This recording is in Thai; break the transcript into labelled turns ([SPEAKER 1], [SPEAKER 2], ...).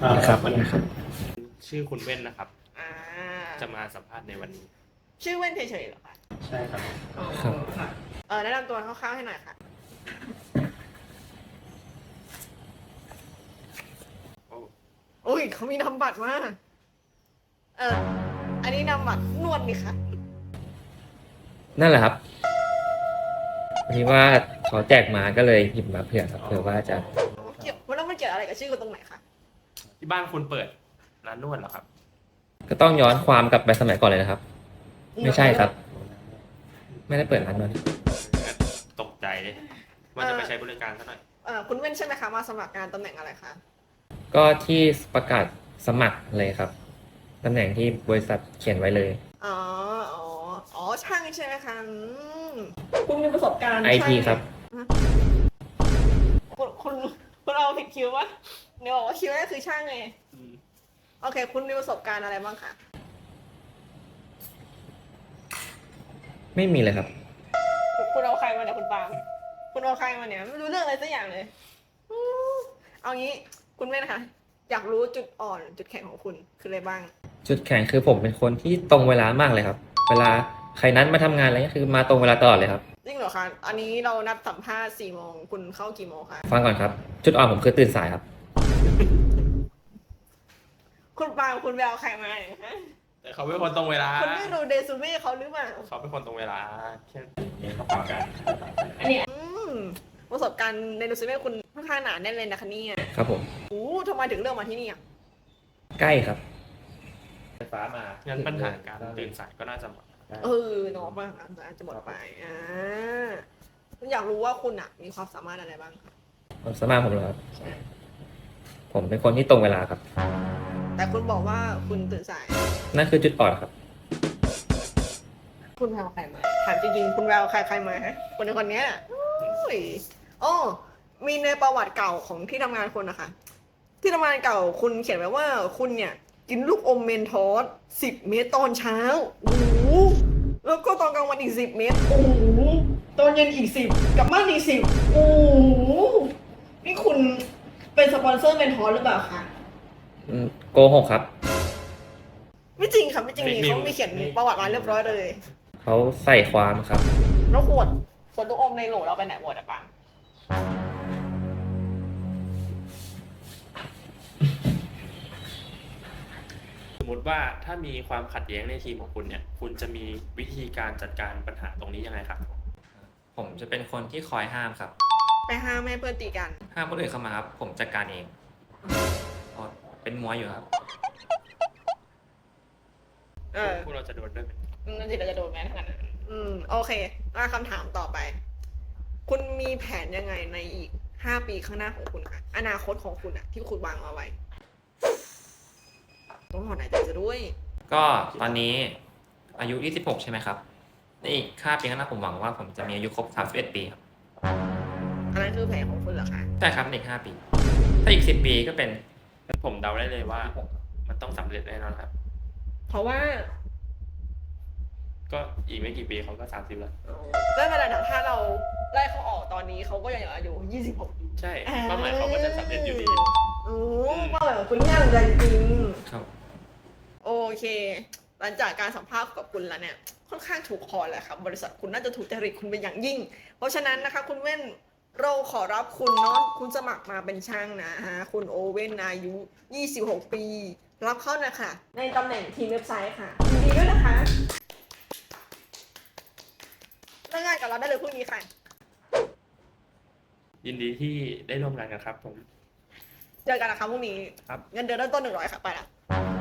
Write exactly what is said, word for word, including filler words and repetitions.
[SPEAKER 1] นะครับวันนี้ครับ
[SPEAKER 2] ชื่อคุณเว้นนะครับ
[SPEAKER 3] อ่า
[SPEAKER 2] จะมาสัมภาษณ์ในวันนี้
[SPEAKER 3] ชื่อเว้นเฉยๆเหรอคะ
[SPEAKER 1] ใช่ครับ
[SPEAKER 3] อ๋อ
[SPEAKER 1] ครับ
[SPEAKER 3] ค่ะเออแนะนำตัวคร่าวๆให้หน่อยค่ะ
[SPEAKER 2] โอ้
[SPEAKER 3] อุ้ยเขามีนามบัตรมาเอออันนี้นามบัตรนวดนี่ค่ะ
[SPEAKER 4] นั่นแหละครับพอดีว่าเขาแจกมาก็เลยหยิบมาเผื่อครับเผื่อว่าจะ
[SPEAKER 3] เกี่ยวแล้วมันเกี่ยวอะไรกับชื่อคุณตรงไหนคะ
[SPEAKER 2] ที่บ้านคุณเปิดร้านนวดเหรอครับ
[SPEAKER 4] ก็ต้องย้อนความกลับไปสมัยก่อนเลยนะครับ ไม่ใช่ครับ ไม่ได้เปิดร้านนวด
[SPEAKER 2] ตกใจเลยว่าจะไปใช้บริการซะหน่อย
[SPEAKER 3] เออคุณเว้นใช่ไหมคะมาสมัครงานตำแหน่งอะไรคะ
[SPEAKER 4] ก็ที่ประกาศสมัครเลยครับตำแหน่งที่บริษัทเขียนไว้เลย
[SPEAKER 3] อ๋ออ๋ออ๋อช่างใช่ไหมคะอืมคุณมีประสบการณ์
[SPEAKER 4] ไอ ที ครับ
[SPEAKER 3] คุณคุณคุณเอาผิดคิววะเนี่ยบอกว่าคิวนั่นคือช่างไงโอเค คุณมีประสบการณ์อะไรบ้างคะ
[SPEAKER 4] ไม่มีเลยครับ
[SPEAKER 3] คุณเอาใครมาเนี่ยคุณปาล์มคุณเอาใครมาเนี่ยไม่รู้เรื่องอะไรสักอย่างเลยอืมเอางี้คุณเว้นคะอยากรู้จุดอ่อนจุดแข็งของคุณคืออะไรบ้าง
[SPEAKER 4] จุดแข็งคือผมเป็นคนที่ตรงเวลามากเลยครับ เวลาใครนัดมาทำงานอะไรเงี้ยคือมาตรงเวลาตลอดเลยครับ
[SPEAKER 3] จริงเหรอคะอันนี้เรานัดสัมภาษณ์สี่โมงคุณเข้ากี่โมงคะ
[SPEAKER 4] ฟังก่อนครับ จุดอ่อนผมคือตื่นสายครับ
[SPEAKER 3] คุณปาล์มคุณไปเอาใครมาเนี่ยฮะ
[SPEAKER 2] แต่เขาเป็นคนตรงเวลา
[SPEAKER 3] คุณไม่รู้เดซูเม่เขาหรือเปล่า
[SPEAKER 2] เขาเป็นคนตรงเวลาแค่นี้เขาปากกัน
[SPEAKER 3] อันนี้อืมประสบการณ์ในเดซูเม่คุณค่อนข้างหนาแน่นเลยนะคะเนี่ย
[SPEAKER 4] ครับผม
[SPEAKER 3] โอ้ทำไมถึงเลือกมาที่นี่อ่ะ
[SPEAKER 4] ใกล้ครับ
[SPEAKER 1] ไฟฟ้ามา
[SPEAKER 2] งั้นปัญหาการตื่นสายก็น่าจะหมด
[SPEAKER 3] เออเนาะบ้างอาจจะหมดไปอ่าอยากรู้ว่าคุณอ่ะ มีความสามารถอะไรบ้างคะ
[SPEAKER 4] ความสามารถผมเหรอครับ ผมเป็นคนที่ตรงเวลาครับ
[SPEAKER 3] แต่คุณบอกว่าคุณตื่นสาย
[SPEAKER 4] นั่นคือจุดอ่อนครับ
[SPEAKER 3] คุณแววใครมาถามจริงๆคุณแววใครใครมาฮะคนในคนเนี้ยโอ้ยโอ้มีในประวัติเก่าของที่ทำงานคุณนะคะที่ทำงานเก่าคุณเขียนไว้ว่าคุณเนี่ย กินลูกอมเมนทอสสิบเม็ดตอนเช้าโอ้โหแล้วก็ตอนกลางวันอีกสิบเม็ดโอ้โหตอนเย็นอีกสิบกลับบ้านอีกสิบโอ้โหนี่คุณเป็นสปอนเซอร์เมนทอสหรือเปล่าคะ
[SPEAKER 4] อืมโกหกครับ
[SPEAKER 3] ไม่จริงค่ะไม่จริงนี่เขามีเขียนประวัติมาเรียบร้อยเลย
[SPEAKER 4] เขาใส่ความครับ
[SPEAKER 3] แล้วขวดขวดลูกอมในโหลเราไปไหนหมดอะปัง
[SPEAKER 2] สมมติว่าถ้ามีความขัดแย้งในทีมของคุณเนี่ย คุณจะมีวิธีการจัดการปัญหาตรงนี้ยังไงครับ
[SPEAKER 4] ผมจะเป็นคนที่คอยห้ามครับ
[SPEAKER 3] ไปห้ามแม่เพื่อนตีกัน
[SPEAKER 4] ห้ามคนอื่นเข้ามาครับ ผมจัดการเองอ๋อเป็นมวยอยู่ครับ
[SPEAKER 3] เออ
[SPEAKER 2] พวกเราจะโดนด้วยไหม
[SPEAKER 3] นั่นสิเราจะโดนไหมขนาดนั้นอืมโอเคมาคำถามต่อไป คุณมีแผนยังไงในอีกห้าปีข้างหน้าของคุณคะอนาคตของคุณอะที่คุณวางเอาไว้ต้องถอนหายใจจะด้วย
[SPEAKER 4] ก็ตอนนี้อายุ ยี่สิบหก ใช่ไหมครับในอีกห้าปีข้างหน้าผมหวังว่าผมจะมีอายุครบ สามสิบเอ็ด ปีครับ
[SPEAKER 3] อันนั้นคือแผนของคุณเหรอคะ
[SPEAKER 4] ใช่ครับในอีกห้าปี ถ้าอีกสิบปีก็เป็น
[SPEAKER 2] ผมเดาได้เลยว่า มันต้องสำเร็จแน่นอนครับ
[SPEAKER 3] เพราะว่า
[SPEAKER 2] ก็อีกไม่กี่ปีเขาก็สามสิบแล้ว
[SPEAKER 3] ไม่เป็นไรนะถ้าเราไล่เขาออกตอนนี้เขาก็ยังอายุยี่สิบหก
[SPEAKER 2] ใช่เป้าหมายเขาก็จะสำเร็จอยู่ดี
[SPEAKER 3] โอ้เป้าหมายของคุณง่ายจริง
[SPEAKER 4] ครับ
[SPEAKER 3] โอเค หลังจากการสัมภาษณ์กับคุณแล้วเนี่ย ค่อนข้างถูกคอแหละครับ บริษัทคุณน่าจะถูกจริตคุณเป็นอย่างยิ่ง เพราะฉะนั้นนะคะ คุณเว้นเราขอรับคุณเนาะ คุณสมัครมาเป็นช่างนะฮะ คุณโอเว่นอายุ ยี่สิบหก ปี รับเข้านะคะ ในตำแหน่งทีมเว็บไซต์ค่ะยินดีด้วยนะคะเริ่มงานกับเราได้เลยพรุ่งนี้ค่ะ
[SPEAKER 2] ยินดีที่ได้ร่วมงานกันครับผม
[SPEAKER 3] เจอกันนะคะพรุ่งนี้
[SPEAKER 2] ครับ
[SPEAKER 3] เงินเดือนเริ่มต้นหนึ่งร้อยค่ะ ไปละ
[SPEAKER 2] ค